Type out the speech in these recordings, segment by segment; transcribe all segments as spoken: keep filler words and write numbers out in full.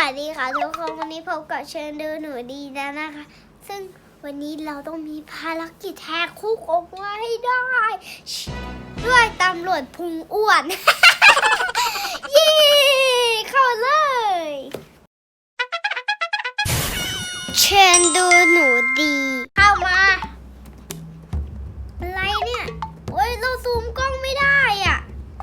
สดีค่ะทุกคนวันนี้พบกับเชิญดูหนูดีแล้วนะคะ ซึ่งวันนี้เราต้องมีภารกิจแหกคุกออกมาให้ได้ ด้วยตำรวจพุงอ้วน เย้เข้าเลยเชิญดูหนูดีเข้ามาอะไรเนี่ยโอ้ยเราซูมกล้องไม่ได้อ่ะ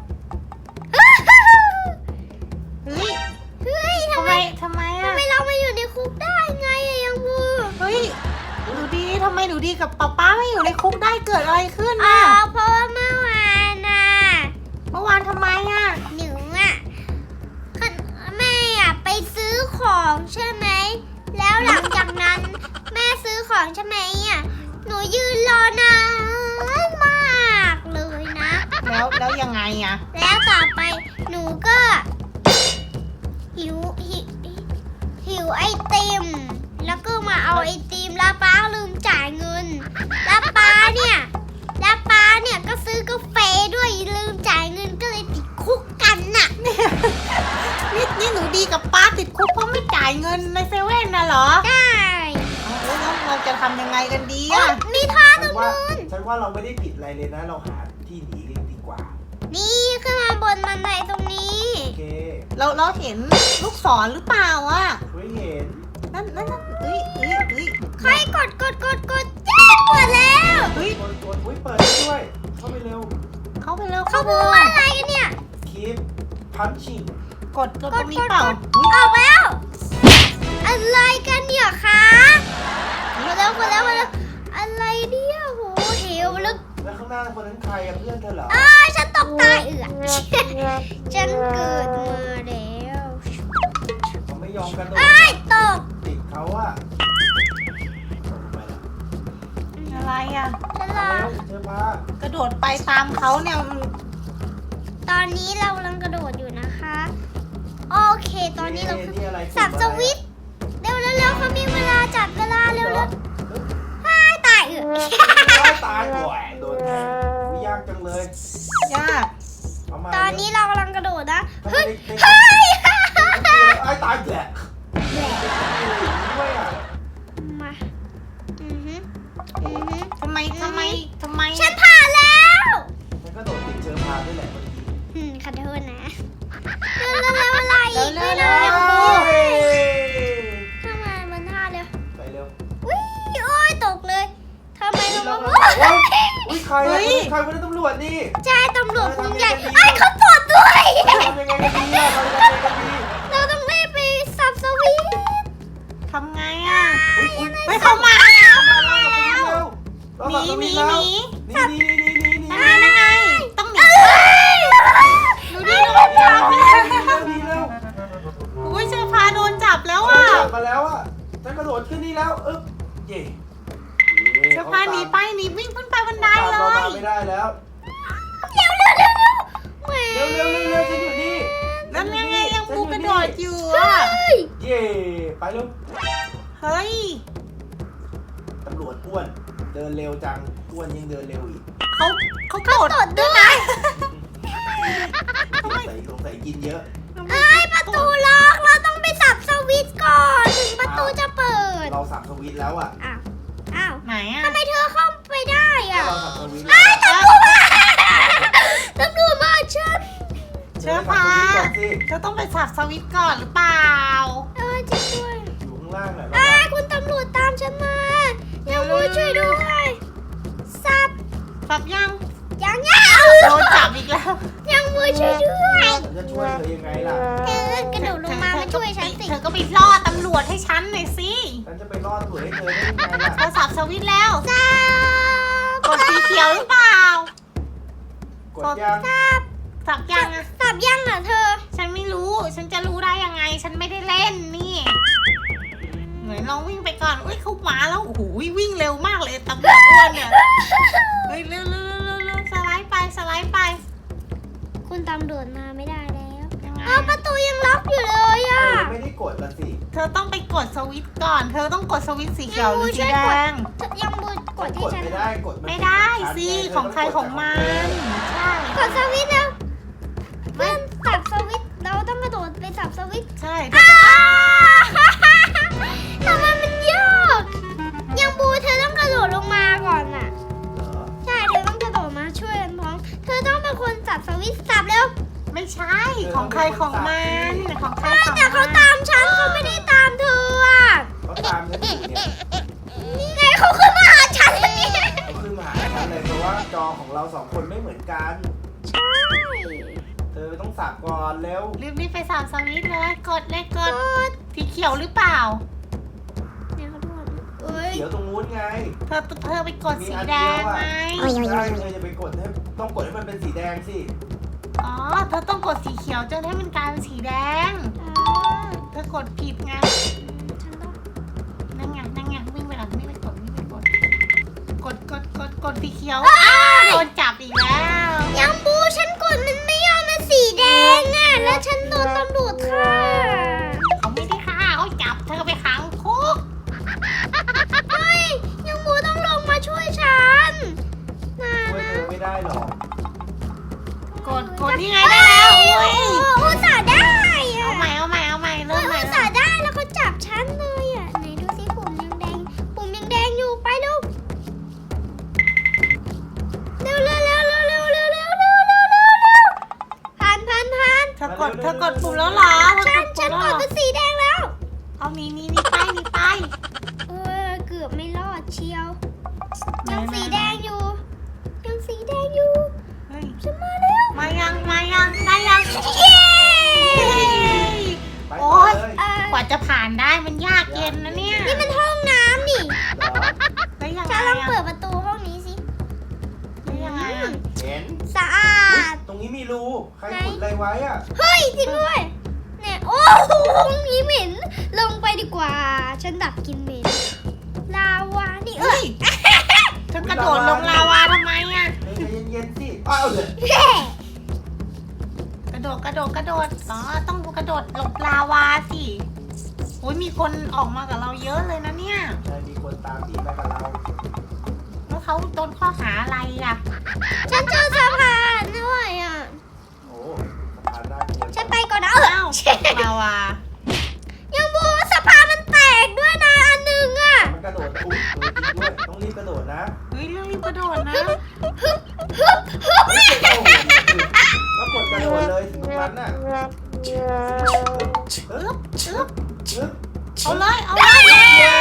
เฮ้ยเฮ้ยทำทำไมไมทำไมทำอ่ะไมเรามาอยู่ในคุกได้ไงอะยังบูเฮ้ยหนูดีทำไมหนูดีกับป๊าป๊าไม่อยู่ในคุกได้เกิดอะไรขึ้นอ๋อน่ะเพราะว่าเมื่อวานน่ะเมื่อวานทำไมอ่ะหนูอะแม่อะไปซื้อของใช่ไหมแล้วหลังจากนั้นแม่ซื้อของใช่ไหมอะหนูยืนรอนานมากเลยนะแล้วแล้วยังไงอ่ะแล้วต่อไปหนูก็หิวหิวหิวไอติมแล้วก็มาเอาไอติมแล้วป้าลืมจ่ายเงินแล้วป้าเนี่ยแล้วป้าเนี่ยก็ซื้อกาแฟด้วยลืมจ่ายเงินก็เลยติดคุกกันน่ะนี่นี่หนูดีกับป๊าติดคุกเพราะไม่จ่ายเงินในเซเว่นน่ะเหรอได้เอาแล้วเราจะทำยังไงกันดีโอ๊อ่ะยมีท่อตฉัรนงว่านู้นฉันว่าเราไม่ได้ผิดอะไรเลยนะ เราหาที่หนีกันดีกว่านี่ขึ้นมาบนบันไดตรงนี้โอเคเราเราเห็นลูกศรหรือเปล่าอ่ะไม่เห็นนั่นนั่นนั่นเฮ้ยเฮ้ยเฮ้ยใครกดกดกดกดแจ้งกดแล้วเฮ้ยกดกดอุ้ยเปิดได้ด้วย เข้าไปเร็วเข้าไปเร็วเขาเข้าไปพูดเร็วว่าอะไรกันเนี่ย keep punching กดกดตรงนี้เปล่าออกแล้ว อะไรกันเนี่ยคะมาแล้วมาแล้วมาแล้วอะไรเนี่ยโหเหวลึกแล้วข้างหน้าคนนั้นใครอะเพื่อนเธอเหรออ้าฉันตกตายเอือฉันเกิดมาแล้วเขาไม่ยอมกันโดดไอ้ายตกติดเขาอะไปแล้วอะไรอ่ะฉันรมาอเร็วเธอพากระโดดไปตามเขาเนี่ยตอนนี้เรากำลังกระโดดอยู่นะคะ โอเค ตอนนี้เราคือนี่อะไรสับสวิตช์เร็วเร็วเร็วเขามีเวลาจับเวลาเร็วเร็วอ้ายตายเอือตายบ่อยโดนแทงอุ๊ยยากจังเลยยากเอามาตอนนี้เรากำลังกระโดดนะทำไมเฮ้ยเด็กๆเฮ้ยไอ้ตายแหละด้วยอะมาอือฮึอือฮึทำไมทำไมทำไมฉันผ่านแล้วฉันก็โดดติดเชื้อพาด้วยแหละเมื่อกี้อืมขอโทษนะเร็วเร็วเร็วอะไรอีกไม่ได้เฮ้ยทำไมมันท่าเร็วไปเร็วอุ้ยโอ้ยตกเลยทำไมเราเรามาเราอุ้ยใครอะใครคนนั้นตำรวจนี่ใช่ตำรวจคุณใหญ่ไอ้ยเขาตรวจด้วยทำยังไงกันดีอะทำยังไงกันดีเราต้องรีบไปสับสวิตช์ทำไงอ่ะอุ้ยอุ้ยไม่เข้ามาแล้วมาแล้วมาแล้วหนีหนีหนีหนีหนีหนีหนีหนียังไงยังไงต้องหนีดูดิโดนจับหนีแล้วหนีเร็วอุ้ยเสื้อผ้าโดนจับแล้วอ่ะอ่ะมาแล้วอ่ะฉันกระโดดขึ้นนี่แล้วอึ๊บเย่เสื้อผ้าหนีไปหนีวิ่งขึ้นไปบันไดเลเรายมาไม่ได้แล้วเร็วเร็วเร็วเร็วแหมเร็วเร็วเร็วเร็วฉันอยู่นี่แล้วยังไงยังบูกระโดดอยู่เฮ้อ่ะยเย่ไปเร็วเฮ้ยตำรวจอ้วนเดินเร็วจังอ้วนยังเดินเร็วอีกเขาเขาเขาโดตรวดจด้วยสงสัยสงสัยกินเยอะเอ้ยประตูล็อกเราต้องไปสับสวิตช์ก่อนถึงประตูจะเปิดเราสับสวิตช์แล้วอ่ะอ้าวอ้าวไหนอ่ะทำไมเธอเข้าไปได้อ่ะเราสับสวิตช์ไอ้แล้วตำรวจมาตำรวจมาฉันเชื้อผ้าเธอต้องไปสับสวิตช์ก่อนหรือเปล่าเออจริงด้วยอยู่ข้างล่างแหละไอ้ยคุณตำรวจตามฉันมายังมือช่วยด้วยสับสับยังยังยังโดนจับอีกแล้วยังมือช่วยด้วยฉันจะช่วยเธอยังไงล่ะเออกระโดดลงมามาช่วยฉันสิเธอก็ไปล่อตำรวจให้ฉันหน่อยสิฉันจะไปรอดตำรวจให้เธอได้ยังไงล่ะเธอสับสวิตช์แล้วสับกดสีเขียวหรือเปล่ากดยังสับสับยังอะสับยังอ่ะเธอฉันไม่รู้ ฉันจะรู้ได้ยังไง ฉันไม่ได้เล่นนี่เหมือนลองวิ่งไปก่อนอุ้ยเขามาแล้ว โอ้โหวิ่งเร็วมากเลยตำรวจอ้วนเนี่ย เฮ้ยเร็วเร็วเร็วเร็วสไลด์ไปสไลด์ไปคุณตำรวจมาไม่ได้แล้วยังไงเออประตูยังล็อกอยู่เลยอ่ะเธอไม่ได้กดละสิเธอต้องไปกดสวิตช์ก่อน เธอต้องกดสวิตช์สีเขียวหรือสีแดงยังมือกกดดที่ฉันไม่ได้กดนไม่ได้เป็นสิชั้นไของใครของมัน ใช่กดสวิตช์แล้วเพื่อนสับสวิตช์เราต้องกระโดดไปสับสวิตช์ใช่อ้าวของมันของใครของแต่เขามันตามฉันเขาไม่ได้ตามเธออ่ะเขาตามฉันอยู่เนี่ยนี่ไงเขาขึ้นมาหาฉันแล้วเนี่ยเขาขึ้นมาหาฉันเลยเพราะว่าจอของเราสองคนไม่เหมือนกันใช่เธอต้องสับก่อนเร็วรีบรีบไปสามสวิตช์เลยกดเลยกกดดสีเขียวหรือเปล่าเนี่ยเขาดูเอ้ยเขียวตรงนู้นไงเธอเธอไปกดสีแดงไหมใช่เธอจะไปกดให้ต้องกดให้มันเป็นสีแดงสิอ๋อเธอต้องกดสีเขียวจนให้มันกลายเป็นสีแดงอ่าเธอกดผิดไงฉันต้องนั่นไงนั่นไงวิ่งไปหลังวิ่งไปกดวิ่งไปกด กดกดกดกดสีเขียวอ้าวโดนจับอีกแล้วยังบูฉันกดมันไม่ยอมมันสีแดงอ่ะแล้วฉันโดนตำรวจฆ่าเขาไม่ได้ฆ่าเขาจับเธอไปขังคุกเฮ้ยยังบูต้องลงมาช่วยฉันน่าช่วยนะเธอไม่ได้หรอกกดกดนี่ไงได้แล้วอุ้ยโอ้อุตส่าห์ได้อะเอาใหม่เอาใหม่เอาใหม่เอเริ่อมใหม่อุตส่าห์ได้แล้วก็จับฉันเลยอ่ะไหนดูสิปุ่มยังแดงปุ่มยังแดงอยู่ไปเร็วเร็วเร็วเร็วเร็วเร็วเร็วเร็วเร็วเร็วเร็วเร็วผ่านผ่านผ่านเธอกดเธอกดปุ่มแล้วเหรอเธอฉักนดฉัปุ่นมแล้วกเหรอดเป็นสีแดงแล้วเอานี่นี่นี่ไปนี่ไปเออเกือบไม่รอดเชียวยังสีแดงอยู่ยังสีแดงอยู่เฮ้ยฉันมาแล้วมายังมายังได้ยังเย้ไปต่อเลยเอ่อกว่าจะผ่านได้มันยากเย็นนะเนี่ยนี่มันห้องน้ำนี่เหรอแล้วยังไงฉันลองอะเปิดประตูห้องนี้สิแล้วยังไงอะเห็นสะอาอุ๊ยดตรงนี้มีรูใครขุดอะไรไว้อะเฮ้ยจริงด้วยเนี่ยโอ้โหห้องนี้เหม็นลงไปดีกว่า ฉันดับกลินเหม็นลาวานี่เอ้เฮ้ยยเธอกระโดดลงลาวาทำไมอะเธอใจเย็นๆสิอ้าวเดี๋ยวแย่กระโดดกระโดดกระโดดอ๋อต้องกระโดดหลบลาวาสิอุ้ยมีคนออกมากับเราเยอะเลยนะเนี่ยใช่มีคนตามหนีมากับเราแล้วเขาโดนข้อหาอะไรอะฉันเจอสะพานด้วยอ่ะโอ้สะพานน่ากลัวฉันไปก่อนนะเอออ้าวลาวายังบูสะพานมันแตกด้วยนะอันหนึ่งอ่ะมันกระโดดอุ้ยเออจริงด้วยต้องรีบกระโดดนะเฮ้ยรีบกระโดดนะฮึบฮึบฮึบเฮ้ยโอ้โหแล้วกดกระโดดเลยถึงตรงนั้นน่ะอึ๊บอึ๊บชึบเอาเลยเอาเลยเย้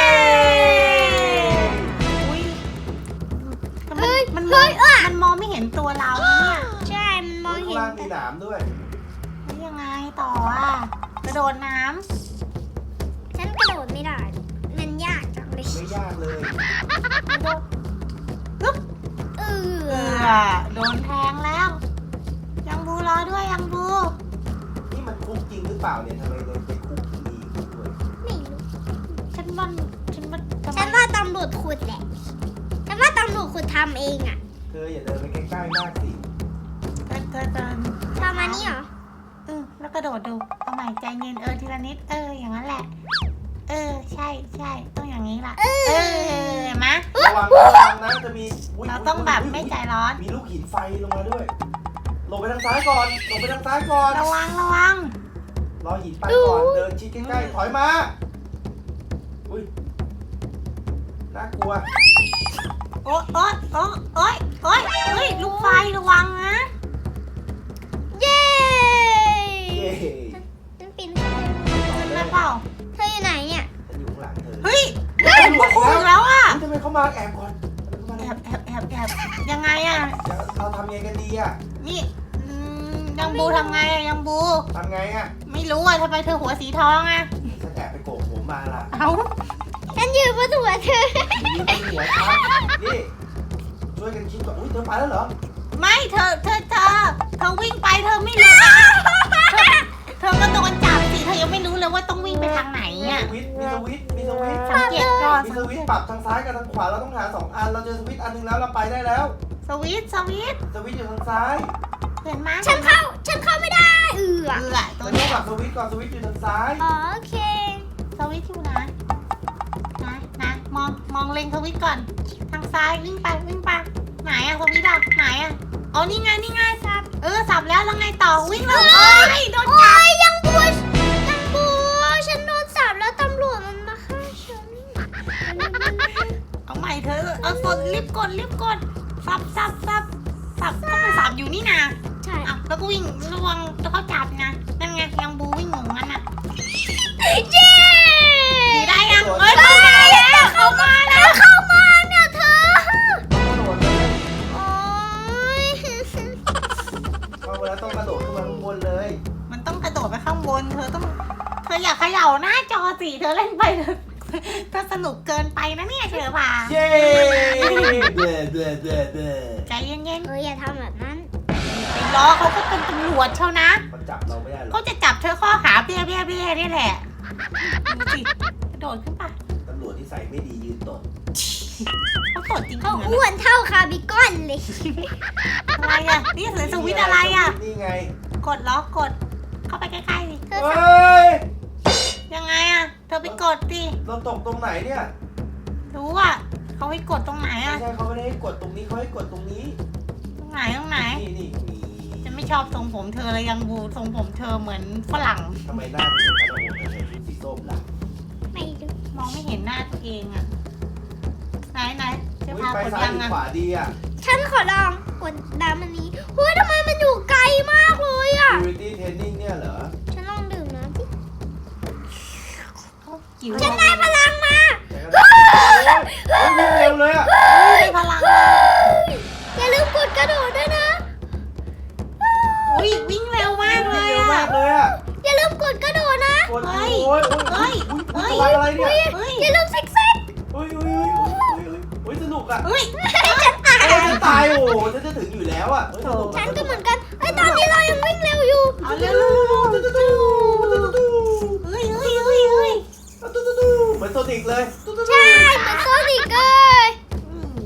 อุ้ยแต่มันเฮ้ยมันมอเฮ้งยอ่ะมันมองไม่เห็นตัวเราเนี่ยใช่มันมองข้างเห็นล่างมีแต่หนามด้วยแล้วยังไงต่ออ่ะกระโดดน้ฉันกระโดดไม่ได้ มันยากจังเลยไม่ยากเลยำกระโดดอึ๊บเอเอออโดนแทงแล้ว ยังบูรอด้วยยังบูนี่มันคุกจริงหรือเปล่าเนี่ยทำไมเลยไปคุกที่นี่ด้วยไม่รู้ฉันว่าฉันว่าทำไมฉันว่าตำรวจขุดแหละ ฉันว่าตำรวจขุดทำเองอ่ะเธออย่าเดินไปใกล้ๆมากสิเธอเธอเดินประมาณนี้เหรอเออแล้วกระโดดดูเอาใหม่ใจเย็นเออทีละนิดเอออย่างนั้นแหละ เออใช่ใช่ต้องอย่างนี้ล่ะเออเออเห็นไหมระวังนะระวังนะจะมียเราต้องแบบไม่ใจร้อนมีลูกหินไฟลงมาด้วยหลบไปทางซ้ายก่อนหลบไปทางซ้ายก่อนระวังระวังรอหินไปก่อนเดินชิดใกล้ๆถอยมาอุ้ยน่ากลัวโอ๊ยโอ๊ยโอ๊ยโอ๊ยโอ๊ยเฮ้ยลูกไฟระวังนะเย้เย้ฉันปีนขึ้นไปขึ้นได้เปล่าเธออยู่ไหนเนี่ยฉันอยู่ข้างหลังเธอเฮ้ยเฮ้ยมาคู่อีกแล้วอ่ะทำไมเขามาแอบก่อนทำไมแอเขาบมาแอบแอบแอบยังไงอ่ะเดี๋ยวเราทำไงกันดีอ่ะนี่อืมยังบูทำไงอ่ะยังบูทำไงอ่ะไม่รู้อ่ะทำไมเธอหัวสีทองอ่ะฉันแอบไปโกกผมมาล่ะเอ้าฉันยืนบนหัวเธอยืนบนหัวฉันนี่ช่วยกันคิดก่อนอุ้ยเธอไปแล้วเหรอไม่เธอเธอเธอเธอวิ่งไปเธอไม่รู้นะเธอเธอก็โดนจับสิเธอยังไม่รู้เลยว่าต้องวิ่งไปทางไหนมีอ่ะสวิตช์มีสวิตช์มีสวิตช์สังเกตก่อนมีสสังวิเกตช์ตปรับทางซ้ายกับทางขวาเราต้องหาสองอันเราเจอสวิตช์อันหนึงแล้วเราไปได้แล้วสวิตช์สวิตช์สวิตช์อยู่ทางซ้ายเห็นไหมฉันเข้า ฉันเข้าไม่ได้เอือเออตัเราวต้อเนี้งยปรับสวิตช์ก่อนสวิตช์อยู่ทางซ้ายอ๋อโอเคสวิตช์อยู่นะนะนะมองมองเล็งสวิตช์ก่อนทางซ้ายวิ่งไปวิ่งไปไหนอะสวิตช์อะไหนอะอ๋อนี่ไงนี่ไงสับเออสับแล้วแล้วไงต่อวิ่งเลยโอ้ยโดนโอ้ยยังบัวยังบัวฉันโดนจับแล้วตำรวจมันมาฆ่าฉันเอาใหม่เธอเอากดรีบกดรีบกดสับสับสับสับต้องไปสับอยู่นี่นะใช่อ่ะแล้วก็วิ่งระวังแล้วเขาจับนะนั่นไงไงยังบูวิ่งงงงั้นอ่ะเย้ขี่ได้ยังเอ้ยเข้ามาแล้วเข้ามาแล้วเข้ามาเนี่ยเธอกระโดดเลยโอ๊ยเข้ามาแล้วต้องกระโดดขึ้นมาข้างบนเลยมันต้องกระโดดไปข้างบนเธอต้องเธออย่าเขย่าหน้าจอสิเธอเล่นไปเธอเธอสนุกเกินไปนะเนี่ยเชอป่าเย้เด้อเด้อเด้อเด้อใจเย็นเอออย่าทำแบบนั้นๆไปล้อเขาก็เป็นตำรวจเชียวนะเขาจับเราไม่ได้หรอเขากจะจับเธอข้อหาเบี้ยเบี้ยเบี้ยนี่แหละดูสิกระโดดขึ้นไปตำรวจที่ใส่ไม่ดียืนตดเขาตดจริงๆเขานะอ้วนเท่าคาร์บิคอนเลยอะไรอ่ะนี่สวิตช์อะไรอ่ะนี่ไงกดล็อกกด เข้าไปใกล้ๆสิเธอเฮ้ยยังไงอ่ะเธอไปกดดิเราตกตรงไหนเนี่ยรู้อ่ะเขาให้กดตรงไหนไม่อ่ะใช่เขาไม่ได้ให้กดตรงนี้เขาให้กดตรงนี้ตรงไหนตรงไหนนี่นี่มีฉันไม่ชอบทรงผมเธอเลยยังบูทรงผมเธอเหมือนฝรั่งทำไมหน้าถึงเป็นกระโดดใส่ชุดสีส้มล่ะไม่ดูมองไม่เห็นหน้าตัวเองอ่ะไหนไหนเธออุ๊ยพาไปกดซ้ายยังหรืออ่ะขวาดีอ่ะฉันขอลองกดดามอันนี้เฮ้ยทำไมมันอยู่ไกลมากเลยอ่ะ Security Training เนี่ยเหรอฉันลองดื่มน้ำสิเขาจิ๋วฉันได้พลังมาแต่ก็ได้โอ้ยวิ่งเร็วเลยอ่ะได้พลังอย่าลืมกดกระโดดด้วยนะอุ้ยวิ่งเร็วมากเลวิ่งยเร็วอ่ะมากเลยอ่ะอย่าลืมกดกระโดดนะกดเฮ้โอ้ยยโอ้ยเฮ้โอ้ยยอุ้ยอุ้ยตัวอะไรเนี่ยเฮ้ยอย่าลืมซิกแซกเฮ้ยเฮ้ยเฮ้ยเฮ้ยเฮ้ยเฮ้ยสนุกอ่ะเฮ้ยฉันตายเอ้ยจะตายโอ้โหฉันจะถึงอยู่แล้วอ่ะเฮ้ยสนุกฉันก็เหมือนกันไอ้ยตอนนี้เรายังวิ่งเร็วอยู่เอาเร็วเร็วเร็วเร็วตุ๊ดตุ๊ดตุ๊ดตุ๊ดตุ๊ดเฮ้ยเฮ้ยเฮ้ยเฮ้ยตุ๊ดตุ๊ดตุ๊ดเหมือนโซนิกเลยตุ๊ดตุ๊ดตุ๊ดใช่เหมือนโซนิกเลยอืม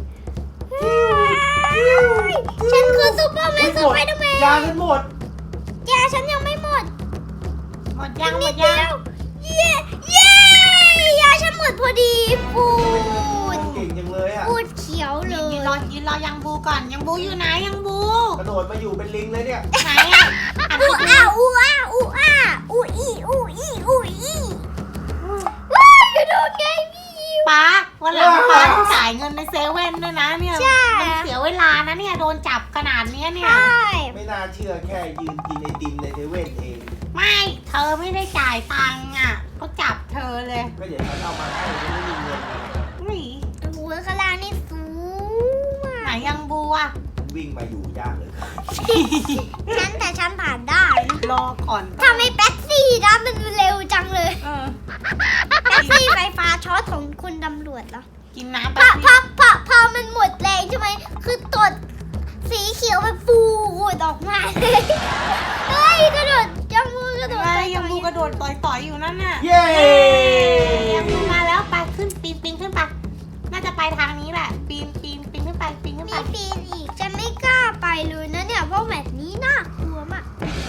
ฉันคือซูเปอร์แมเฮ้นยสหมดไปเดอร์แมยาน ฉันหมดแกฉันยังไม่หมดหมดยังหมนิดดยัเดีงยวเย้เย้ยาฉันหมดพอดีปูดเก่งจังเลยอ่ะปูดเขียวเลยืยนรอยืนรอยังบูก่อนยังบูอยู่ไหนยังบูกระโดดมาอยู่เป็นลิงเลยเนี่ยไหนอ่ะอันอูนี้อ้าอูอ้าอูอ้าอูอีอูอีอูอีว้ายกระโดดไงพี่ป้าวันหลังป้าต้องจ่ายเงินในเซเว่นด้วยนะเนี่ยใช่มันเสียเวลานะเนี่ยโดนจับขนาดเนี้ยเนี่ใชย่ไม่น่าเชื่อแค่ยืนกินไอติมในเซเว่นเองไม่เธอไม่ได้จ่ายตังค์อ่ะเขาจับเธอเลยก็เดี๋ยวฉันเอามาให้ฉันไม่มีเงินอุ้ยหัวข้างล่างนี่สูงไหนมากยังบูอ่ะวิ่งมาอยู่ยากเลยฉันแต่ฉันผ่านได้นะรอก่อนทำไมแป๊กซี่นะมันเร็วจังเลยเออแป๊กซี่ไฟฟ้าช็อตของคุณตำรวจเหรอกินน้ำพแป๊อบ พนึอง พอพอมันหมดแรงใช่ไหมคือตดสีเขียวมันฟูดออกมาเลยเฮ้ยกระโดดยังมือกระโดดอะไรไปยังบูกระโดดต่อยๆอยู่นั่นน่ะเย้ยังบูมาแล้วไปขึ้นปีนปีนขึ้นไปน่าจะไปทางนี้แหละ ปีนปีนปีนขึ้นไปปีนขึ้นไปมีปีนอีกฉันไม่กล้าไปเลยนะเนี่ยเพราะแบบนี้น่ากลัวมาก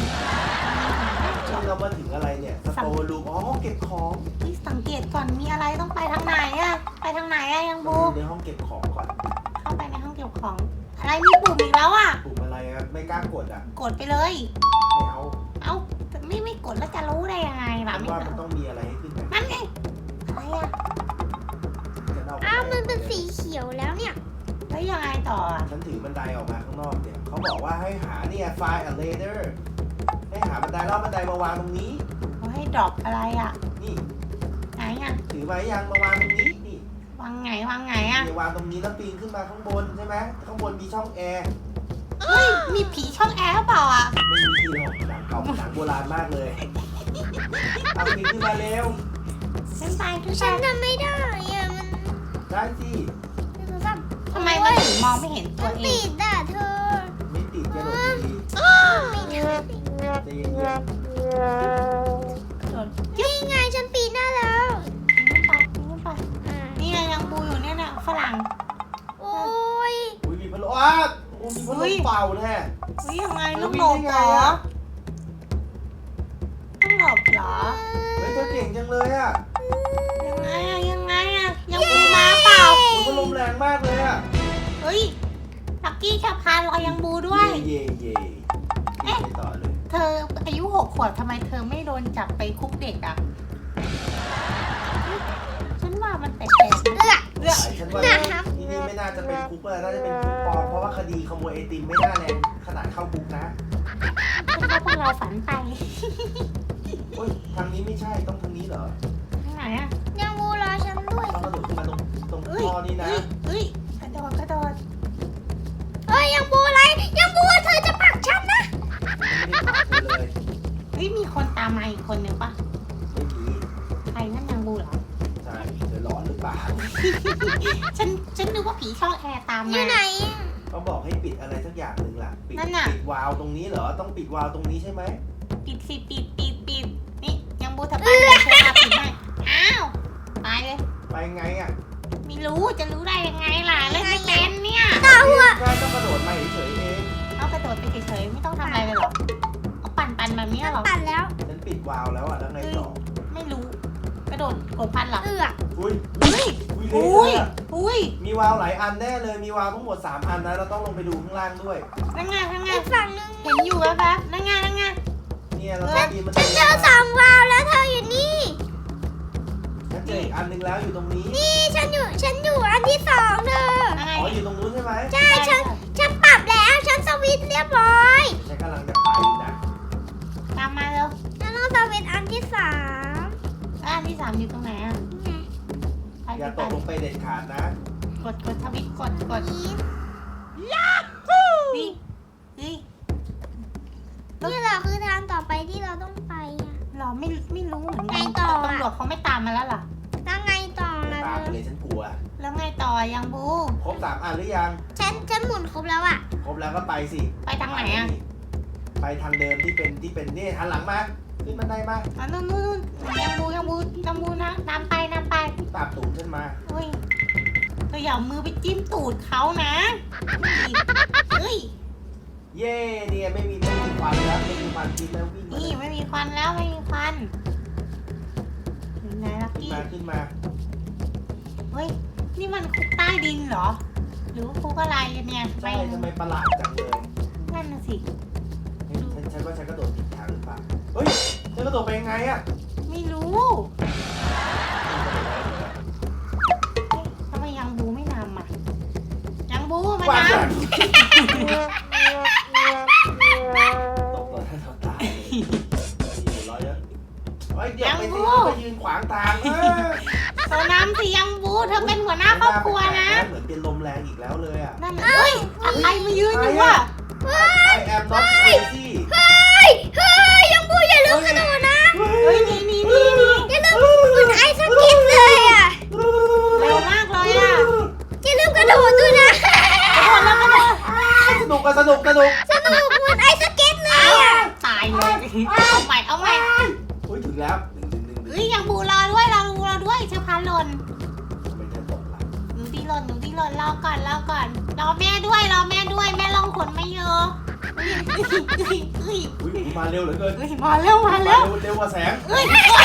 เรามาถึงอะไรเนี่ยสโตร์รูมอ๋อห้องเก็บของเฮ้ยสังเกตก่อนมีอะไรต้องไปทางไหนอะไปทางไหนอะยังบูในห้องเก็บของก่อนเข้าไปในห้องเก็บของ อะไรมีปุ่มอีกแล้วอะปุ่มอะไรอะไม่กล้ากดอ่ะกดไปเลยไม่เอาเอ้าไม่ไม่กดแล้วจะรู้ได้ยังไงล่ะฉันไม่ว่ามันต้องมีอะไรให้ขึ้นนะนั่นไงอะไรอะฉันเอาอ้าวมันเป็นสีเขียวแล้วเนี่ยแล้วยังไงต่ออะฉันถือบันไดออกมาข้างนอกเนี่ยเขาบอกว่าให้หาเนี่ยไฟล์อะเลเดอร์ให้หาบันไดแล้วเอาบันไดมาวางตรงนี้เขาให้ดรอปอะไรอะนี่ไหนอะถือไว้ยังมาวางตรงนี้นี่วางไงวางไงอะเดี๋ยววางตรงนี้แล้วปีนขึ้นมาข้างบนใช่ไหมข้างบนมีช่องแอร์เฮ้ยมีผีช่องแอร์หรือเปล่าอะไม่มีที่หรอกหนังเก่าหนังโบราณมากเลยเอาปีนขึ้นมาเร็วฉันไปทุกฉัชานทำไม่ได้อะมันได้สิมันแบบทำไมมันถึงมองไม่เห็นตัมัวน เอติงดอ่ะเธอไม่ติดจะโดดดีไม่ได้ๆใจเย็นโดนนี่ไงฉันปีนได้แล้วทิ้งไปทิ้งไปอ่านี่ไงยังบูอยู่เนี่ยนะฝรั่งโอ้ยๆอุ้ยมีพัดลมอ้าโอ้มีพัดลมเป่าแท้เฮ้ยยังไงแล้ลูวกมีหลบได้เหรไงออะต้องหลบเหรอเฮ้ยเธอเก่งจังเลยอ่ะยังไงอะยังไงอะยังบูมาเปล่ามันพัดลมแรงมากเลยอ่ะเฮ้ยลักกี้ชาพานรอยังบูด้วยเย่เย่เย่ไปต่อเลยเธออายุหกขวบทำไมเธอไม่โดนจับไปคุกเด็กอะฉันว่ามันแปลกๆนะเลือกเลือกฉันว่านะครับที่นี่ไม่น่าจะเป็นคุกเลยน่าจะเป็นคุกปลอมเพราะว่าคดีขโมยไอติมไม่น่าแรงขนาดเข้าคุกนะเป็นเพราะพวกเราฝันไปโอ้ยทางนี้ไม่ใช่ต้องทางนี้เหรอทางไหนอะยังบูรอฉันด้วยต้องกระโดดขึ้นมาตรงตรงเอ้ยท่อนี่นะเอ้ยเอ้ยกระโดดกระโดดเอ้ยยังบูอะไรยังบูเธอจะผลักฉันนะไม่ได้ผลักเลยเฮ้ยมีคนตามมาอีกคนนึงปะไม่มีใครนั่นยังบูเหรอใช่เธอหลอนหรือเปล่าฉันฉันนึกว่าผีช่องแอร์ตามอมายู่ไหนอะเขาบอกให้ปิดอะไรสักอย่างหนึ่งล่ะปิดนั่นน่ะปิดวาล์วตรงนี้เหรอต้องปิดวาล์วตรงนี้ใช่ไหมปิดสิปิดปิดปิดนี่ยังบูทำไปเลยฉันมาปิดให้อ้าวตายเลยไปไงอ่ะไม่รู้จะรู้ได้ยังไงล่ะเล่นไม่เป็นเนี่ยตาหัวใช่ต้องกระโดดมาเฉยๆเองเอากระโดดไปเฉยๆไม่ต้องทำอะไรเลยเหรอเอาปั่นปั่นแบบนี้เหรอตัดแล้วฉันปิดวาล์วแล้วอ่ะแล้วไงต่อไม่รู้ กระโดดกดพันเหรอเอือกอุ้ยเฮ้ยอุ้ยเละอุ้ยเลยอะอุ้ยมีวาล์วหลายอันแน่เลยมีวาล์วทั้งหมดสามอันนะเราต้องลงไปดูข้างล่างด้วยนั่งไงนั่งไงอีกฝั่งนึงเห็นอยู่แล้วครับนั่งไงนั่งไงเนี่ยเราต้องปีนมันฉันเจอสองวาล์วแล้วเธออยู่นี่ฉันเจออีกอันหนึงแล้วอยู่ตรงนี้นี่ฉันอยู่ฉันอยู่อันที่สองเธอนั่งไงอ๋ออยู่ตรงนู้นใช่ไหมใช่ฉันฉันปรับแล้วฉันสวิตช์เรียบร้อยฉันกำลังจะไปนะตามมาเร็วฉันต้องสวิตช์อันที่สามแล้วอันที่สามอยู่ตรงไหนอ่ะนี่ไงไปอย่าไปตกลงไปเด็ดขาดนะกดกดทวิตกดกดนี่นี่นี่นี่แหละคือทางต่อไปที่เราต้องไปอะเราไม่ไม่รู้เหมือนกันไงต่ออะตำรวจเขาไม่ตามมาแล้วเหรอแล้วไงต่อล่ะตามเธไปอเลยฉันกลัวแล้วไงต่อยังบูครบสามอันหรือยังฉันฉันหมุนครบแล้วอะครบแล้วก็ไปสิไปทางไหนอ่ะไปทางเดิมที่เป็นที่เป็นนี่หันหลังมาขึ้นบันไดมาอ๋อนู่นนู่นยังบูยังบูยังบูนะนำไปนำไปตามตูดขึ้นมาอุ้ยเธออย่าเอามือไปจิ้มตูดเขานะเฮ้ยเย่เนี่ยไม่มีไม่มีควันแล้วไม่มีควันกินแล้ววิ่งมานี่ไม่มีควันแล้วไม่มีควันถึงไหนลักขึ้นกี้มาขึ้นมาเฮ้ยนี่มันคุกใต้ดินเหรอ หรือว่าคุกอะไรกันเนี่ยใช่ทำไมประหลาดจังเลยนั่นน่ะสิเฮ้ยฉันฉันว่าฉันกระโดดผิดทางหรือเปล่าเฮ้ยฉันกระโดดไปยังไงอะไม่รู้ทำไมยังบูไม่นำอ่ะยังบูมาว้านำตกต่อหน้าต่อตาเลยอยู่ร้อยเยอะเฮ้ยเดี๋ยวไปสิไปยืนขวางทางเออเธอนำสิยังบูเธอเป็นหัวหน้าครอบครัวนะเหมือนเป็นลมแรงอีกแล้วเลยอ่ะนั่นน่ะเฮ้ยอะไรมายืนอยู่อ่ะ I am not crazy เฮ้ยเฮ้ยยังบูอย่าลืมกระโดดนะเฮ้ยนี่นี่นี่นี่อย่าลืมอุ่นไอซ์สกิทเลยอะเร็วมากเลยอ่ะอย่าลืมกระโดดด้วยนะกระโดดแล้วกระโดดสนุกอะสนุกสนุกสนุกเหมือนไอซ์สเก็ตเลยอะตายเลยเอาใหม่เอาใหม่อุ้ยถึงแล้วหนึ่งหนึ่งหนึ่งหนึ่งเฮ้ยยังบูรอด้วยรอบูรอด้วยเชฟพาหล่นทำไมเธอตกล่ะหนูที่หล่นหนูที่หล่นรอก่อนรอก่อนรอแม่ด้วยรอแม่ด้วยแม่ลองขนไม่เยอะเฮ้ยเฮ้ยเฮ้ยอุ้ยมาเร็วเหลือเกินเฮ้ยมาเร็วมาเร็วเร็วกว่าแสงเฮ้ย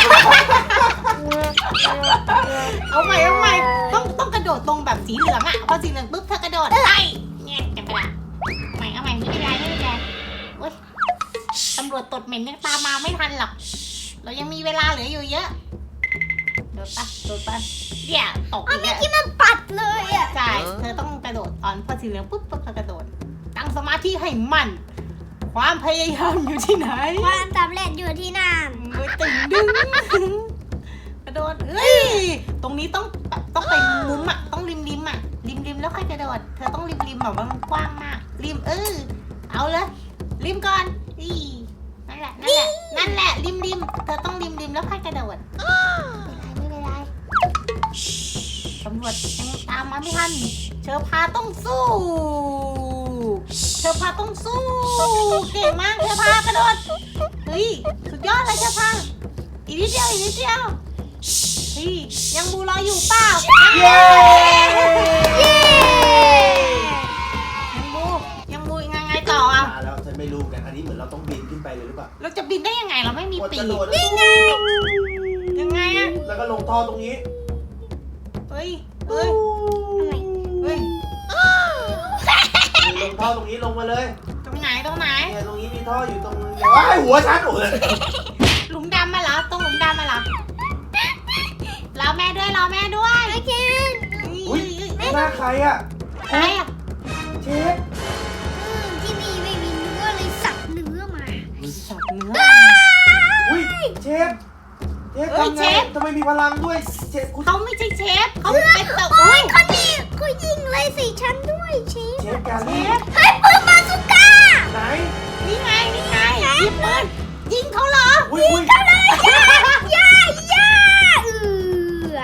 เอาใหม่เอาใหม่ต้องต้องกระโดดตรงแบบสีเหลืองอ่ะพอสีเหลืองปุ๊บเธอกระโดดไอ้เนี่ยจะไปละใหม่เอาใหม่ไม่เป็นไรไม่เป็นไรโอ๊ยตำรวจตดเหม็นยังตามมาไม่ทันหรอกเรายังมีเวลาเหลืออยู่เยอะโดดปะโดดปะเดี๋ยวตกเอาอีกเมื่อแล้วกี้มันปัดเลยอะใช่เธอต้องกระโดดตอนพอสีเหลืองปุ๊บปุ๊บเธอกระโดดตั้งสมาธิให้มั่นความพยายามอยู่ที่ไหนความสำเร็จอยู่ที่นั่นมือตึงดึงกระโดดเฮ้ยตรงนี้ต้องแบบต้องไปมุมอ่ะต้องริมริมอ่ะริมริมแล้วค่อยกระโดดเธอต้องริมริมแบบว่ามันกว้างมากริมเออเอาเลยริมก่อนอีนั่นแหละนั่นแหละนั่นแหละริมริมเธอต้องริมริมแล้วค่อยกระโดดไม่เป็นไรไม่เป็นไรตำรวจยังตามมาไม่ทันเชอพาต้องสู้เชอพาต้องสู้เก่งมากเชอพากระโดดเฮ้ยสุดยอดเลยเชอพาอีกนิดเดียวอีกนิดเดียวเฮ้ยยังบูรออยู่เปล่าเย้เย้ยังบูยังบูยังไงต่ออ่ะมาแล้วฉันไม่รู้กันอันนี้เหมือนเราต้องบินขึ้นไปเลยหรือเปล่าเราจะบินได้ยังไงเราไม่มีกดปีกกระโดดนี่ไงยังไงอ่ะแล้วก็ลงท่อตรงนี้เฮ้ยเฮ้ยทำไมเฮ้ยลงท่อตรงนี้ลงมาเลยตรงไหนตรงไหนเนี่ยตรงนี้มีท่ออยู่ตรงนี้ว้ายหัวฉันโอ้ยหลุมดำมาเหรอตรงหลุมดำมาเหรอรอแม่ด้วยรอแม่ด้วยโอเคอุ้ยหน้าใครอะใครอ่ะเชฟอืมที่นี่ไม่มีเนื้อเลยสับเนื้อมเชฟเชฟทำไงทำไมมีพลังด้วยเชฟคุณเขาไม่ใช่เชฟเขาเป็นแบบโอ้โอ้ยยเขานี่เขายิงเลยสิฉันด้วยเชฟเชฟการเชลีฟให้ปืนบาซูก้าไหนนี่ไงนี่ไงยิงปืนยิงเขาเหรออุ้ยอุ้ยย่าย่าย่าเออ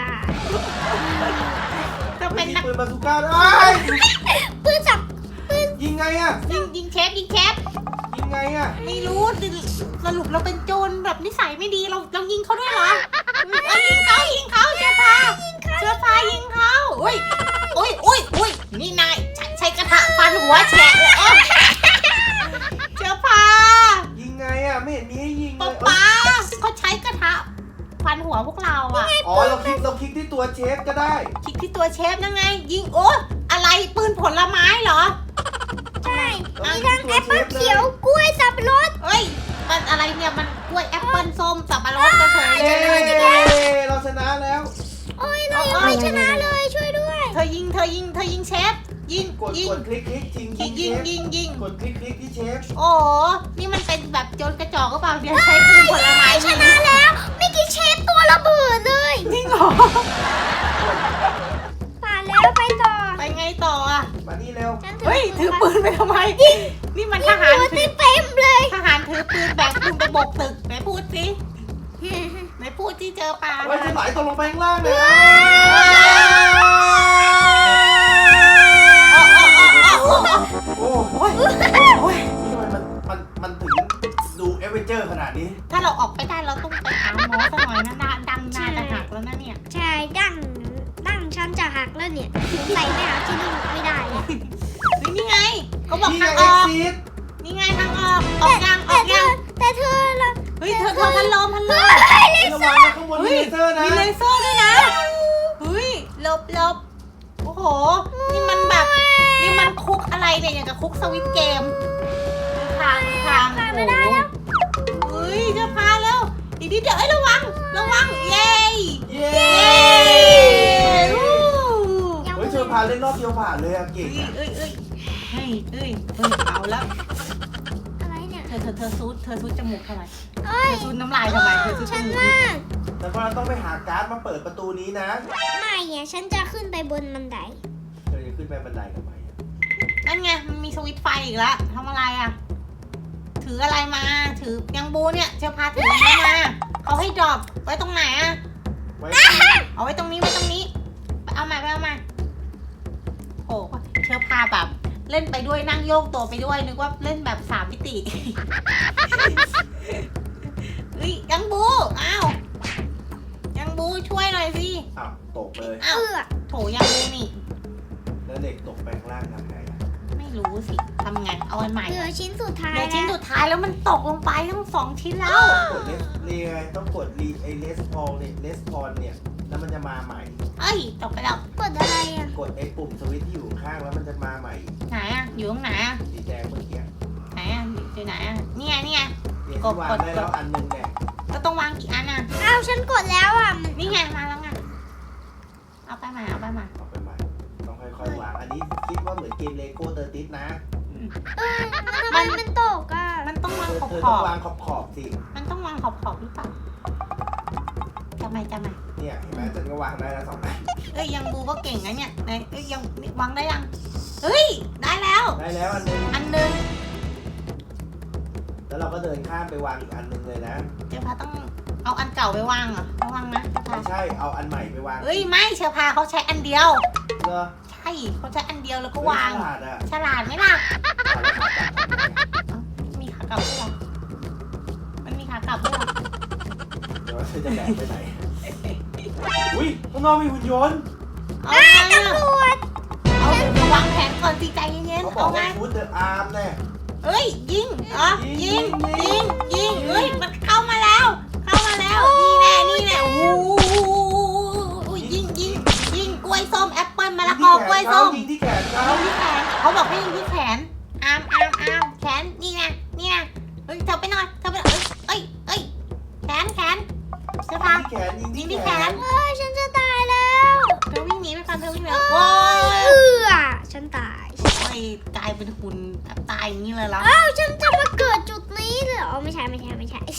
จะเป็นมีนักปืนบาซูก้าด้วยปืนจับปืนยิงไงอะยิงยิงเชฟยิงเชฟยิงไงอะไม่รู้สรุปเราเป็นโจรแบบนิสัยไม่ดีเราเรายิงเขาด้วยเหรอเอายิงเขายิงเขาเชื้อพาเชื้อพายิงเขาอุ้ยอุ้ยอุ้ยอุ้ยนี่นายใช้ใช้กระทะฟันหัวแฉะเลยเอ้าเชื้อพายิงไงอะไม่เห็นมีให้ยิงเลป๊าย ป๊าเขาใช้กระทะฟันหัวพวกเราอ่ะอ๋อเราคลิกเราคลิกที่ตัวเชฟก็ได้คลิกที่ตัวเชฟนั่นไง ยิงโอ้อะไรปืนผลไม้เหรอใช่มีทั้งแอปเปิ้ลเขียวกล้วยสับปะรดเอ้ยมันอะไรเนี่ยมันกล้วยแอปเปิ้ลส้มสับปะรดเฉยเย้ๆเราชนะแล้วโอ้ยเรายังไม่ชนะเลยช่วยด้วยเธอยิงเธอยิงเธอยิงเชฟยิงกดยิงกดคลิกคลิกจริงยิงยิงยิงยิงกดคลิกคลิกที่เชฟโอ้โหนี่มันเป็นแบบโจรกระจอกก็เปล่าเดี๋ยวใช้ปืนผลไม้ชนะแล้วไม่กี่เชฟตัวระเบิดเลยจริงเหรอผ่านแล้วไปต่อไปไงต่ออ่ะมานี่เร็วฉันเฮ้ยถือปืนไปทำไมนี่มันทยิงหารหัวถือเต็มๆเลยทหารถือปืนแบกปืนไปโบกตึกไหนพูดสิไหนพูดที่เจอปลาไว้จะไหลตกลงไปข้างล่างเลยนะโอ้โอ้ยโอ้ยทำไมมันมันมันถึงดูเอเวนเจอร์ขนาดนี้ถ้าเราออกไปได้เราต้องไปหาหมอสักหน่อยนะนาดังนาจะหักแล้วนะเนี่ยใช่ดั้งดั้งฉันจะหักแล้วเนี่ยสงสัยไม่หาที่นี่ไม่ได้เลยนี่นี่ไงเขาบอกนี่ทางไงอเอ็กอกซิสนี่ไงทางออกออกยังอแต่อกเธยัอง แต่เธอละเฮ้ยเธอเธอพันลมพันลมระวังนะข้างบนมีเฮ้ยเลเซอร์นะมีเลเซอร์ด้วยนะเฮ้ยหลบหลบโอ้โหนี่มันแบบนี่มันคุกอะไรเนี่ยอย่างกับคุกสวิตเกมทางทางผ่านไม่ได้แล้วเฮ้ยจะพาแล้วอีกนิดเดียวเอ้ยระวังระวังเย้เย้เย้อู้ยังเฮ้ยเธอพาเล่นรอบเดียวผ่านเลยอะเก่งเอ้ยอะเอ้ยเอ้ยเฮ้ยเอ้ยเอ้ยเอาแล้วอะไรเนี่ยเธอเธอเธอซูดเธอซูดจมูกทำไมเอ้เธยอซูดน้ำลายทำไมเธอซูดจฉันมูกว่าแต่ว่าเราต้องไปหาการ์ดมาเปิดประตูนี้นะไม่อะฉันจะขึ้นไปบนบันไดเธอจะขึ้นไปบันไดทำไมอะนั่นไงมันมีสวิตช์ไฟอีกแล้วทำอะไรอ่ะ ถืออะไรมาถือยังบูเนี่ยเชอพาถืออะไรมาเขาให้ดรอปไว้ตรงไหนอ่ะไว้เอาไว้ตรงนี้ไว้ตรงนี้ไปเอามาไปเอามาโอ้เชอพาแบบ เล่นไปด้วยนั่งโยกตัวไปด้วยนึกว่าเล่นแบบสามมิติ เฮ้ยยังบูอ้าวยังบูช่วยหน่อยสิอ้าวตกเลยอ้าวเอื้อโถยังบูนี่แล้วเด็กตกไปข้างล่างทำไงอะไม่รู้สิทำไงเอาอันใหม่เหลือชิ้นสุดท้ายเดี๋ยวแล้ชิ้นวสุดท้ายแล้วมันตกลงไปทั้งสองชิ้นแล้วกดเลสเรียต้องกดรีไอเลสพอลเนี่ยเลสพอลเนี่ยแล้วมันจะมาใหม่เอ้ยตกไปแล้วกดอะไรอ่ะกดไอ้ปุ่มสวิตช์ที่อยู่ข้างแล้วมันจะมาใหม่ไหนอ่ะอยู่ตรงไหนอ่ะสีแดงเมื่อกี้ไหนอ่ะอยู่ไหนอ่ะนี่ไงนี่ไงเนี่ยที่วางได้แล้วอันหนึงเนี่ยก็ต้องวางกี่อันอ่ะอ้าวฉันกดแล้วอ่ะมันนี่ไงมาแล้วไงเอาไปมาเอาไปมาเอาไปใหม่ต้องค่อยๆวางอันนี้คิดว่าเหมือนเกมเลโก้เตอร์ติสนะเออทำไมมันตกอ่ะมันต้องวางเธอขอบเธอขต้ออง บวางขอบขอบๆสิมันต้องวางขอบขอบหรือเปล่าจำไหมจำไหมเนี่ยเห็นไหมฉันก็วางได้แล้วสองอันเอ้ยยังบูก็เก่งนะเนี่ยไหนเอ้ยยังวางได้ยังเฮ้ยได้แล้วได้แล้วอันหนึงอันหนึงแล้วเราก็เดินข้ามไปวางอีกอันหนึงเลยนะเจ้าพาต้องเอาอันเก่าไปวางเหรอระวังนะเจ้าพาไม่ใช่เอาอันใหม่ไปวางเอ้ยไม่เชอพาเขาใช้อันเดียวเหรอใช่เขาใช้อันเดียวแล้วก็เฮ้ยวางฉลาดอ่ะฉลาดไหมล่ะฉลาดจังมีขากลับด้วยเหรอมันมีขากลับด้วยเหรอเดี๋ยวเธอจะแบกไปไหนอุ้ยข้างนอกมีหุ่นยนต์เอาไงอะตำรวจเอาวางแผนก่อนสิใจเย็นเขาๆบอเอากไงว่าฟูดเดอะอาร์มเนี่ยเอ้ยยิงเหรอยิยิงงยิงยิยิงงเอ้ยมันเข้ามาแล้ว เข้ามาแล้ว นี่แน่นี่แน่โอ้โหยิงยิงยิงกล้วยส้มแอปเปิ้ลมะละกอกล้วยส้มยิงที่แขนเขายิงที่แขนเขาบอกให้ยิงที่แขนอามอามอามแขนนี่นะนี่นะเฮ้ยเธอไปหน่อยเธอไปหน่อยเอ้ยเอ้ยแขนแขนเสื้อผ้ายิงที่แขนยิงยิงที่ที่แขแขนนเอ้ยฉันจะตายแล้วเธอวิ่งหนีไปก่อนเธอวิ่งหนีเอ้โอ้ยยเอื้อฉันตายโอ้ยกลายเป็นหุ่นแบบตายอย่างนี้เลยเหรออ้าวฉันจะมาเกิดจุดนี้เลยเหรอไม่ใช่ไม่ใช่ไม่ใช่เธ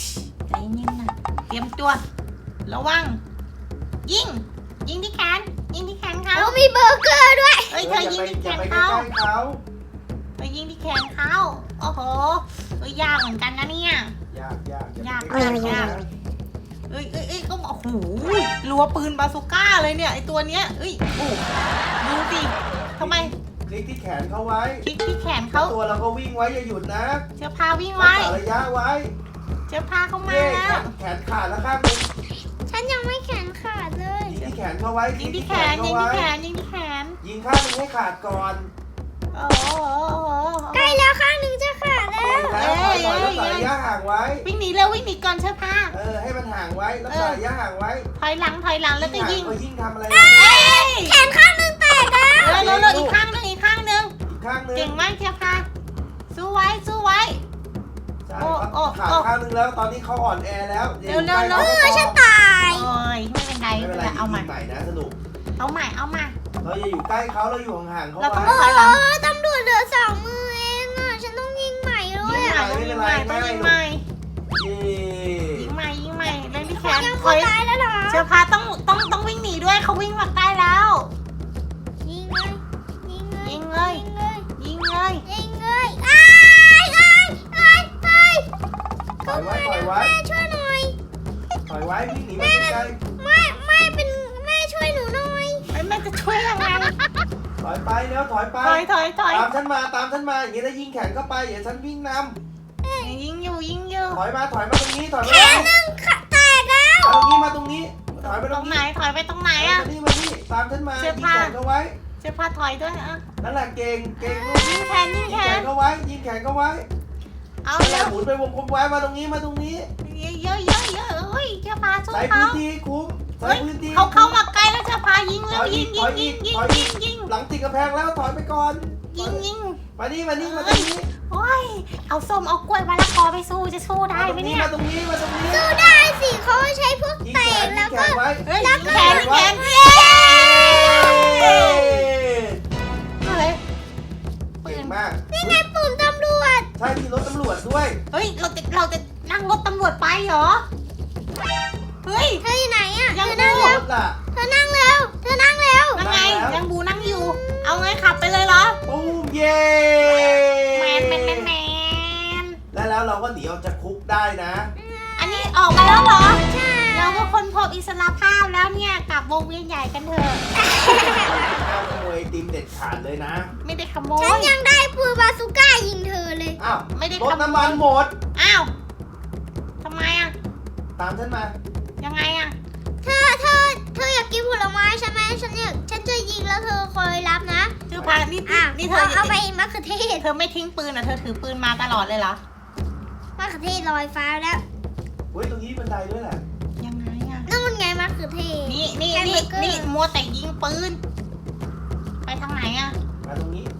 ใจเย็นนะเตรียมตัวระวังยิงยิงที่แขนยิงที่แขนเขาโอ้มีเบอร์เกอร์ด้วยเฮ้ยเธอยิงที่แขอย่าน ไปใกเขาล้ๆเขาเธอยิงที่แขนเขาโอ้โหเฮ้ยยากเหมือนกันนะเนี่ยยากยากยากไปใล้ๆยากนะเอ้ยเอ้ยเอ้ยก็โอ้โหรัวปืนบาซูก้าเลยเนี่ยไอตัวเนี้ยเอ้ยโอ้ดูสิทำไมคลิกที่แขนเขาไว้คลิกที่แขนเขาตัวเราก็วิ่งไว้อย่าหยุดนะเชื้อพาวิ่งรักไว้ษาระยะไว้เชื้อพาเข้ามาเย้แล้วแขนขาดแล้วข้างหนึงฉันยังไม่แขนขาดเลยยิงที่แขนเขาไว้ยิงที่แขนเขายิงไว้ที่แขนยิงที่แขนยิงข้างหนึงให้ขาดก่อนโอ้โหใกล้แล้วข้างหนึ่งจะขาดแล้วแล้วถอยถอยแล้วใส่ระยะห่างไว้วิ่งหนีเร็ววิ่งหนีก่อนเชื้อพาเออให้มันห่างไว้แล้วใส่ระยะห่างไว้ถอยหลังถอยหลังแล้วก็ยิงเขายิ่งทำอะไรเอ้ยแขนข้างหนึ่งแตกแล้วเร็วเร็วเร็วอีกข้างหนึงอีกข้างหนึงอีกข้างหนึงเก่งมากเชื้อพาสู้ไว้สู้ไว้ใช่โอ้เขาโอ้ขาดโอ้ข้างหนึงแล้วตอนนี้เขาอ่อนแอแล้วเร็วเร็วเร็วเออฉันตายโอ้ยไม่เป็นไรไม่เป็นไรเอาใหม่ยิงใหม่นะสนุกเอาใหม่เอาใหม่เราอย่าอยู่ใกล้เขาเราอยู่ห่างๆเขาเราต้องไว้ถอยหลังเออตำรวจเหลือสองมือเองอ่ะ ฉันต้องยิงใหม่เลยิยงอ่ะใหม่ต้องยิงใหม่ต้องยิงใหม่เย้ยิงใหม่ยิงใหม่เล่นที่แขนยังถไม่อยตายแล้วเหรอเชื้อพาต้องต้องต้องวิ่งหนีด้วยเขาวิ่งมาใกล้แล้วยิงเลยยิงเลยยิงเลยยิงเลยยิงเลยยิงเลยอ้ายอ้ายอ้ายอ้ายปล่อยไว้ปล่อยไว้แม่ช่วยหน่อยปล่อยไว้วิ่งหนีมาไกลแม่แม่เป็นแม่ช่วยหนูหน่อยไอ้แม่จะช่วยยังไงๆถอยไปแล้วถอยไปถอยถอยถอยตามฉันมาตามฉันมาอย่างนี้แล้วยิงแขนเข้าไปเดี๋ยวฉันวิ่งนยิงอยู่ยิงอยู่ำถอยมาถอยมาตรงนี้ถอยแขมานหนึ่งขาแตกแล้วตรงนี้มาตรงนี้ถอยไปตตรรง งไหนนี้ถอยไปตรงไหนมาอะนี่มานี่ตามฉันมาเสื้ยิอง ผ้าแขนเขาไว้เชื้อพาถอยด้วยอะนั่นแหละเก่งเก่งลูกยิงแขนยิงยิงแขแขนนเขาไว้ยิงแขนเขาไว้เอานั่นแหเร็ละวหมุนไปวงกลมไว้มาตรงนี้มาตรงนี้เยอะเยอะเยอะเยอะเฮ้ยเชื้อพาสู้ใช้เขาพื้นที่คุ้มใช้เฮ้ยพื้นที่เขาเข้ามาใกล้แล้วเชื้อพายิงเร็วถอยอียิกงยิงยิงถอยอียิกงยิงยิงหลังติดกระแพงแล้วถอยไปก่อนยิงยิงมานี่มานี่มาตรงนี้โอ้ยเอาส้มเอากล้วยมะละกอไปสู้จะสู้ได้มาตรไหมงนี้เนี่ยมาตรงนี้มาตรงนี้สู้ได้สิเขาใช้พวกยิงเตะแขนยิแล้วงแขก็นไว้เฮ้ยยิยิงงแขแขนนไว้แขนเย้เย้เฮ้ยเก่งมากนี่ไงปุ่มตำรวจใช่มีรถตำรวจด้วยเฮ้ยเราจะเราจะนั่งรถตำรวจไปเหรอเฮ้ยเธออยู่ไหนอ่ะยังเธอนั่งดูเร็วรถล่ะเธอนั่งเร็วเธอนั่งเร็วนั่งไงนั่งแล้วยังบูนั่งอยู่ เอาไงขับไปเลยเหรอตูมเย้แมนแมนแมนแมนแล้วแล้วเราก็หนีออกจากคุกได้นะอันนี้ออกมาแล้วเหรอใช่เราก็ค้นพบอิสรภาพแล้วเนี่ยกลับวงเวียนใหญ่กันเถอะห้ามขโมยไอติมเด็ดขาดเลยนะไม่ได้ขโมฉันยยังได้ปืนบาซูก้ายิงเธอเลยอ้าวไม่ได้รถขโมน้ำมันยหมดอ้าวทำไมอ่ะตามฉันมายังไงอ่ะเธอเธอเธออยากกินผลไม้ใช่ไหมฉันอยากฉันจะยิงแล้วเธอคอยรับนะเธอพานี่อ่ะนี่เธเอาอเอาไปมะเขือเทศเธอไม่ทิ้งปืนอ่ะเธอถือปืนมาตลอดเลยเหรอมะเขือเทศลอยฟ้าแล้วเฮ้ยตรงนี้บันไดด้วยแหละยังไงอ่ะนั่นมันไงมะเขือเทศนี่นี่แฮมนี่เบอร์เกอร์นี่มัวแต่ยิงปืน ไปทางไหนอ่ะมาตรงนี้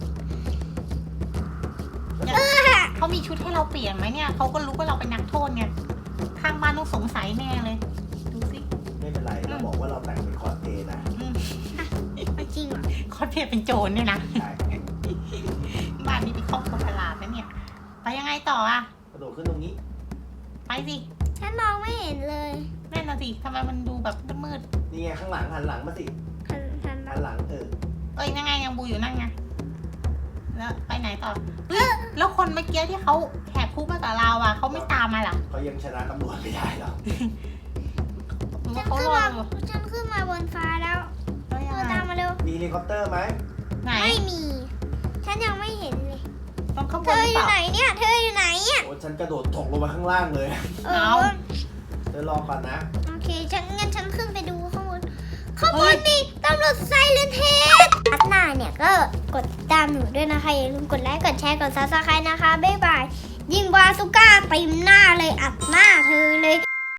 เออเขามีชุดให้เราเปลี่ยนไหมเนี่ยเขาก็รู้ว่าเราเป็นนักโทษไงข้างบ้านต้องสงสัยแน่เลย ดูสิไม่เป็นไรเราบอกว่าเราแต่งเป็นคอสเพลย์นะอืมจริงเหรอคอสเพลย์เป็นโจรเนี่ยนะใช่บ้านนี้เป็นครอบครัวประหลาดนะเนี่ย ไปยังไงต่ออ่ะกระโดดขึ้นตรงนี้ไปสิฉันมองไม่เห็นเลยแน่นอนสิทำไมมันดูแบบมืดนี่ไงข้างหลังหันหลังมาสิฉันฉันหันหลังเออๆเอ้ยนั่งไงยังบูอยู่นั่งไงแล้วไปไหนต่อเฮ้ยแล้วคนเมื่อกี้ที่เขาแหกคุกมากับเราอ่ะเขาไม่ตามมาเหรอเขายังชนะตำรวจไม่ได้หรอกหรือฉัว่าน เขาขึ้นรอมาอยู่ฉันขึ้นมาบนฟ้าแล้วแล้วเธยังอไงตามมาเร็วมีเฮลิคอปเตอร์ไหมไหนไม่มี ฉันยังไม่เห็นเลยต้องข้างบเธนอหรืออเปยู่ล่าไหนเนี่ย เธออยู่ไหนอ่ะโอ้ฉันกระโดดตกลงมาข้างล่างเลยเอเอาอเธอรอก่อนนะโอเค ฉันงั้นฉันขึ้นไปดูข้างบน ข้างบนมีตำรวจไซเลนเทสอัดหน้าเนี่ยก็กดตามหนูด้วยนะคะ อย่าลืมกดไลค์ กดแชร์ กดซับสไครต์นะคะ บ๊ายบาย ยิงบาซูก้าเต็มหน้าเลย อัดหน้าเธอเลย